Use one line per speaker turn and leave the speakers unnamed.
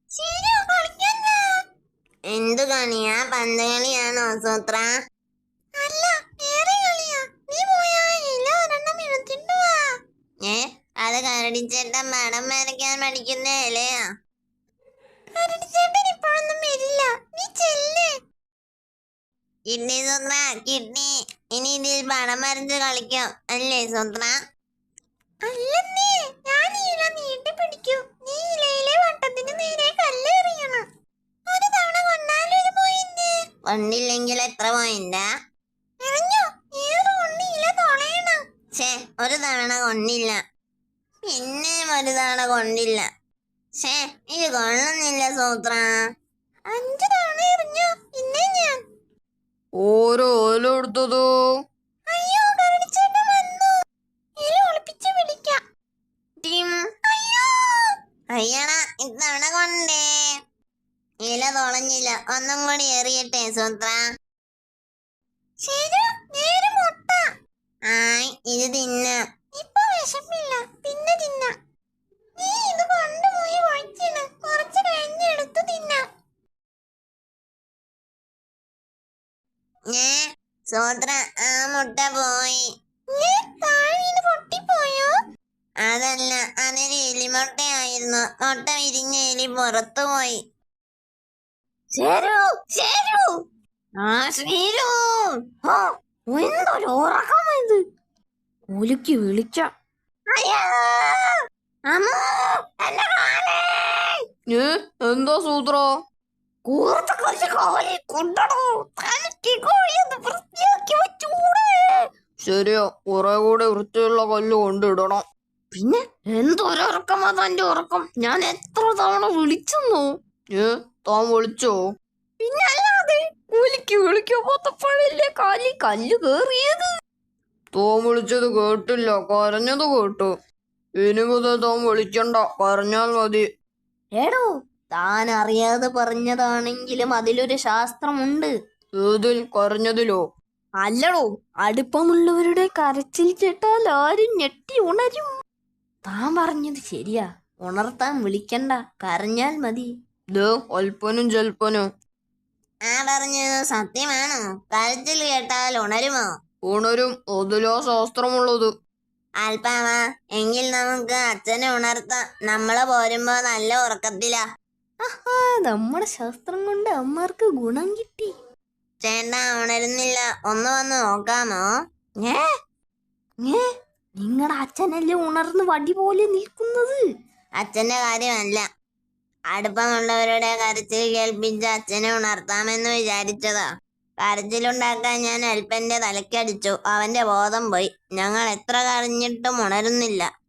എന്തു കളിയാ? പന്ത് കളിയാണോ സൂത്ര?
അല്ല, വേറെ കളിയാ. നീ പോയാ ഇല ഒരെണ്ണം എടുത്തിട്ട് വാ.
അത് കരടിച്ചേട്ടൻ പടം വരയ്ക്കാൻ പഠിക്കുന്ന ഇലയാ.
കരടിച്ചേട്ടൻ ഇപ്പോഴൊന്നും വരില്ല, നീ ചെല്ല്.
കിഡ്നി സൂത്ര, കിഡ്നി. ഇനി ഇതിൽ പടം വരച്ച് കളിക്കാം അല്ലേ സൂത്ര?
അല്ലെന്നേ, ഞാൻ ഇല നീട്ടി പിടിക്കൂ. നീ ഇലയിലെ വട്ടത്തിന് നേരെ കല്ല് എറിയണം. ഒരു തവണ കൊണ്ടാലൊരു പോയിന്റ്.
കൊണ്ടില്ലെങ്കിൽ എത്ര പോയിന്റാ?
എറിഞ്ഞോ? ഏത് കൊണ്ട് ഇല തൊളയണം.
ഒരു തവണ കൊണ്ടില്ല, പിന്നെയും ഒരു തവണ കൊണ്ടില്ല. ഇത് കൊള്ളുന്നില്ല സൂത്ര.
5 തവണ എറിഞ്ഞോ, പിന്നെ ഞാൻ.
ഓരോ ഓല എടുത്തതോ?
അയ്യോ, കരടിച്ചേട്ടൻ വന്നു. ഇല ഒളിപ്പിച്ച് പിടിക്കാം.
അയ്യോ, അയ്യടാ, ഇത്തവണ കൊണ്ടേ. ഇല തുളഞ്ഞില്ല, ഒന്നും കൂടി എറിയട്ടെ സൂത്ര.
ശരി, നേരെ മുട്ട.
ഇത് തിന്നാം.
ഇപ്പൊ വിശപ്പില്ല, പിന്നെ തിന്നാം. നീ ഇത് കൊണ്ടുപോയി വയ്ക്കണം, കുറച്ച് കഴിഞ്ഞ് എടുത്ത് തിന്നാം.
സൂത്ര, ആ മുട്ട പോയി.
താഴെ വീണ് പൊട്ടിപ്പോയോ?
അതല്ല, അതൊരു എലിമുട്ടയായിരുന്നു. മുട്ട വിരിഞ്ഞ എലി പുറത്തു പോയി.
എന്തൊരു ഉറക്കമായത്! ഒലിക്ക് വിളിച്ച എന്താ സൂത്ര? ശരിയാ, കുറെ കൂടെ വൃത്തിയുള്ള കല്ല് കൊണ്ടിടണം. പിന്നെ എന്തൊരുറക്കമാ തന്റെ ഉറക്കം? ഞാൻ എത്ര തവണ വിളിച്ചെന്നോ? താൻ വിളിച്ചോ? പിന്നെ അല്ലാതെ ഒലിക്ക് വിളിക്കാൻ പോത്തപ്പോഴല്ലേ കാലിൽ കല്ല് കേറിയത്. താൻ വിളിച്ചത് കേട്ടില്ല, കരഞ്ഞത് കേട്ടു. ഇനി മുതൽ താൻ വിളിക്കണ്ട, കരഞ്ഞാൽ മതി. എടോ, താൻ അറിയാതെ പറഞ്ഞതാണെങ്കിലും അതിലൊരു ശാസ്ത്രമുണ്ട്. ഏതിൽ? കരഞ്ഞതിലോ? അല്ലടോ, അടുപ്പമുള്ളവരുടെ കരച്ചിൽ കേട്ടാൽ ആരും ഞെട്ടി ഉണരും. താൻ പറഞ്ഞത് ശരിയാ, ഉണർത്താൻ വിളിക്കണ്ട, കരഞ്ഞാൽ മതി. അല്പനും ജൽപ്പനും.
പറഞ്ഞത് സത്യമാണോ? കരച്ചിൽ കേട്ടാൽ ഉണരുമോ?
ഉണരും, അതിലാ ശാസ്ത്രമുള്ളത്.
അൽപ്പാമ, എങ്കിൽ നമുക്ക് അച്ഛനെ ഉണർത്താം. നമ്മള് പോരുമ്പോ നല്ല ഉറക്കത്തിലാ.
നമ്മുടെ ശാസ്ത്രം കൊണ്ട് അമ്മമാർക്ക് ഗുണം കിട്ടി.
ചേട്ടാ ഉണരുന്നില്ല, ഒന്ന് വന്ന് നോക്കാമോ?
നിങ്ങളുടെ അച്ഛനല്ലേ ഉണർന്ന് വടി പോലെ നിൽക്കുന്നത്?
അച്ഛന്റെ കാര്യമല്ല, അടുപ്പമുള്ളവരുടെ കരച്ചിൽ കേൾപ്പിച്ച് അച്ഛനെ ഉണർത്താമെന്ന് വിചാരിച്ചതാ. കരച്ചിലുണ്ടാക്കാൻ ഞാൻ അൽപ്പന്റെ തലക്കടിച്ചു, അവന്റെ ബോധം പോയി. ഞങ്ങൾ എത്ര കരഞ്ഞിട്ടും ഉണരുന്നില്ല.